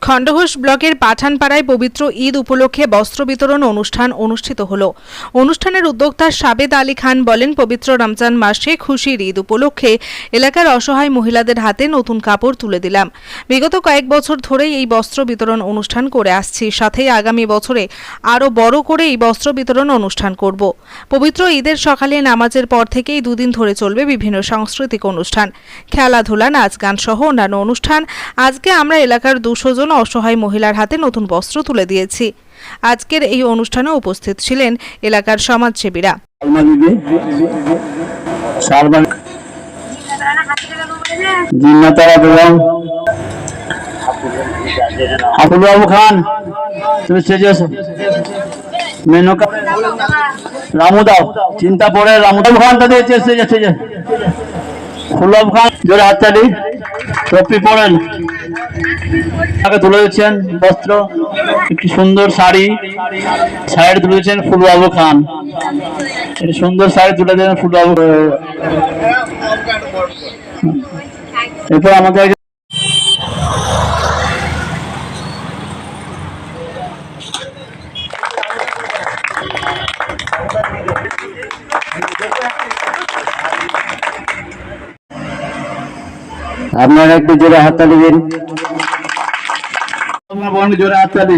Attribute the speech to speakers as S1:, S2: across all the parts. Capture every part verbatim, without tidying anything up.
S1: খণ্ডঘোষ ব্লকের পাঠানপাড়ায় পবিত্র ঈদ উপলক্ষে বস্ত্র বিতরণ অনুষ্ঠান অনুষ্ঠিত হল। অনুষ্ঠানের উদ্যোক্তা সাবেদ আলী খান বলেন, পবিত্র রমজান মাসে খুশির ঈদ উপলক্ষে এলাকার অসহায় মহিলাদের হাতে নতুন কাপড় তুলে দিলাম। বিগত কয়েক বছর ধরেই এই বস্ত্র বিতরণ অনুষ্ঠান করে আসছি, সাথে আগামী বছরে আরও বড় করে এই বস্ত্র বিতরণ অনুষ্ঠান করব। পবিত্র ঈদের সকালে নামাজের পর থেকেই দুদিন ধরে চলবে বিভিন্ন সাংস্কৃতিক অনুষ্ঠান, খেলাধুলা, নাচ গান সহ অন্যান্য অনুষ্ঠান। আজকে আমরা এলাকার দুশো জন অসহায় মহিলার হাতে নতুন বস্ত্র তুলে দিয়েছি। আজকের এই অনুষ্ঠানে উপস্থিত ছিলেন এলাকার সমাজসেবীরা।
S2: রামুদাও চিন্তা পড়ে রামুদাব খান তাদের ফুলব খান জোরে হাততালি। টপি পরেন, তাকে তুলে দিচ্ছেন বস্ত্র, একটি সুন্দর শাড়ি সাইড তুলে দিচ্ছেন ফুলবাবু খান। একটি সুন্দর শাড়ি তুলে দেন ফুলবাবু। এরপর আমাদের আপনারা একটু জোরে হাততালি দিন, জোরে হাততালি।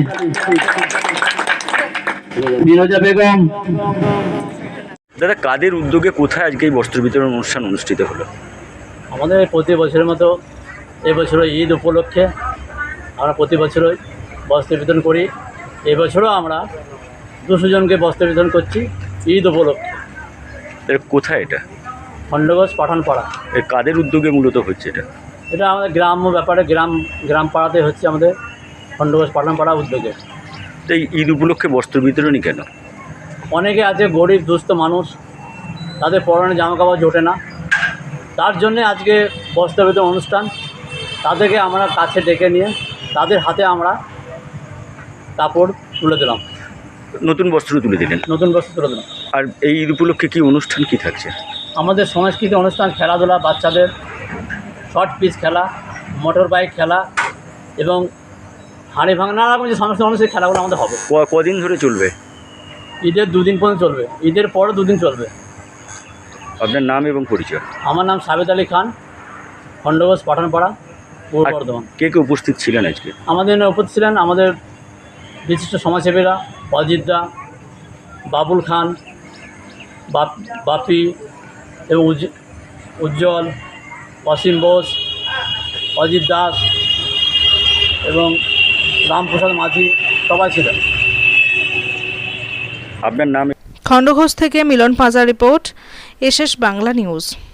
S2: ফিরোজা বেগম।
S3: দাদা, কাদের উদ্যোগে কোথায় আজকে এই বস্ত্র বিতরণ অনুষ্ঠান অনুষ্ঠিত হলো?
S4: আমাদের প্রতি বছরের মতো এবছরও ঈদ উপলক্ষে আমরা প্রতি বছরই বস্ত্র বিতরণ করি। এবছরও আমরা দুশো জনকে বস্ত্র বিতরণ করছি ঈদ উপলক্ষে।
S3: কোথায় এটা?
S4: খণ্ডঘোষ পাঠানপাড়া।
S3: এই কাদের উদ্যোগে মূলত হচ্ছে এটা?
S4: এটা আমাদের গ্রাম্য ব্যাপারে, গ্রাম গ্রাম পাড়াতে হচ্ছে আমাদের খণ্ডঘোষ পাঠানপাড়া উদ্যোগে।
S3: তো এই ঈদ উপলক্ষে বস্ত্র বিতরণই কেন?
S4: অনেকে আছে গরিব দুস্থ মানুষ, তাদের পরনে জামা কাপড় জোটে না, তার জন্যে আজকে বস্ত্র বিতরণ অনুষ্ঠান। তাদেরকে আমরা কাছে ডেকে নিয়ে তাদের হাতে আমরা কাপড় তুলে দিলাম,
S3: নতুন বস্ত্র তুলে দিলেন।
S4: নতুন বস্ত্র তুলে দিলাম।
S3: আর এই ঈদ উপলক্ষে কি অনুষ্ঠান কি থাকছে?
S4: আমাদের সাংস্কৃতিক অনুষ্ঠান, খেলাধুলা, বাচ্চাদের শর্ট পিচ খেলা, মোটর বাইক খেলা এবং হাঁড়ি ভাঙা, নানা রকম যে সমস্ত অনুষ্ঠানের খেলাগুলো আমাদের হবে।
S3: কদিন ধরে চলবে?
S4: ঈদের দুদিন পর্যন্ত চলবে, ঈদের পরে দুদিন চলবে।
S3: আপনার নাম এবং পরিচয়?
S4: আমার নাম সাবেদ আলী খান, খণ্ডঘোষ পাঠানপাড়া, পূর্ব বর্ধমান।
S3: কে কে উপস্থিত ছিলেন আজকে? আমাদের
S4: উপস্থিত ছিলেন আমাদের বিশিষ্ট সমাজসেবীরা, অজিত দা, বাবুল খান, বাপি এবং উজ্জ্বল, অসীম বোস, অজিত দাস এবং রামপ্রসাদ মাঝি, সবাই ছিলেন।
S3: আপনার নাম?
S1: খণ্ডঘোষ থেকে Milan Panja report, SS Bangla news.